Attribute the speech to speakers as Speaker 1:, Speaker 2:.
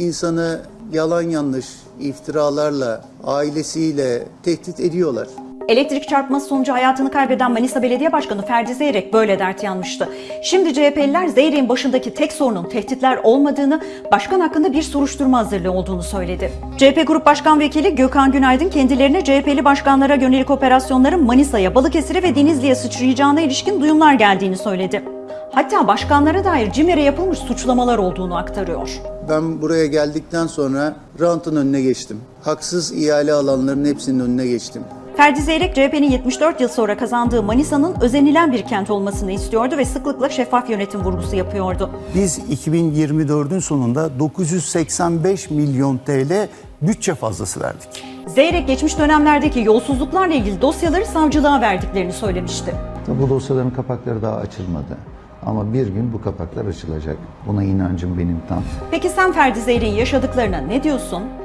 Speaker 1: insanı yalan yanlış iftiralarla, ailesiyle tehdit ediyorlar.
Speaker 2: Elektrik çarpması sonucu hayatını kaybeden Manisa Belediye Başkanı Ferdi Zeyrek böyle dert yanmıştı. Şimdi CHP'liler Zeyrek'in başındaki tek sorunun tehditler olmadığını, başkan hakkında bir soruşturma hazırlığı olduğunu söyledi. CHP Grup Başkan Vekili Gökhan Günaydın kendilerine CHP'li başkanlara yönelik operasyonların Manisa'ya, Balıkesir'e ve Denizli'ye sıçrayacağına ilişkin duyumlar geldiğini söyledi. Hatta başkanlara dair CİMER'e yapılmış suçlamalar olduğunu aktarıyor.
Speaker 1: Ben buraya geldikten sonra rantın önüne geçtim. Haksız ihale alanların hepsinin önüne geçtim.
Speaker 2: Ferdi Zeyrek, CHP'nin 74 yıl sonra kazandığı Manisa'nın özenilen bir kent olmasını istiyordu ve sıklıkla şeffaf yönetim vurgusu yapıyordu.
Speaker 1: Biz 2024'ün sonunda 985 milyon TL bütçe fazlası verdik.
Speaker 2: Zeyrek, geçmiş dönemlerdeki yolsuzluklarla ilgili dosyaları savcılığa verdiklerini söylemişti.
Speaker 3: Bu dosyaların kapakları daha açılmadı. Ama bir gün bu kapaklar açılacak. Buna inancım benim tam.
Speaker 2: Peki sen Ferdi Zeyrek'in yaşadıklarına ne diyorsun?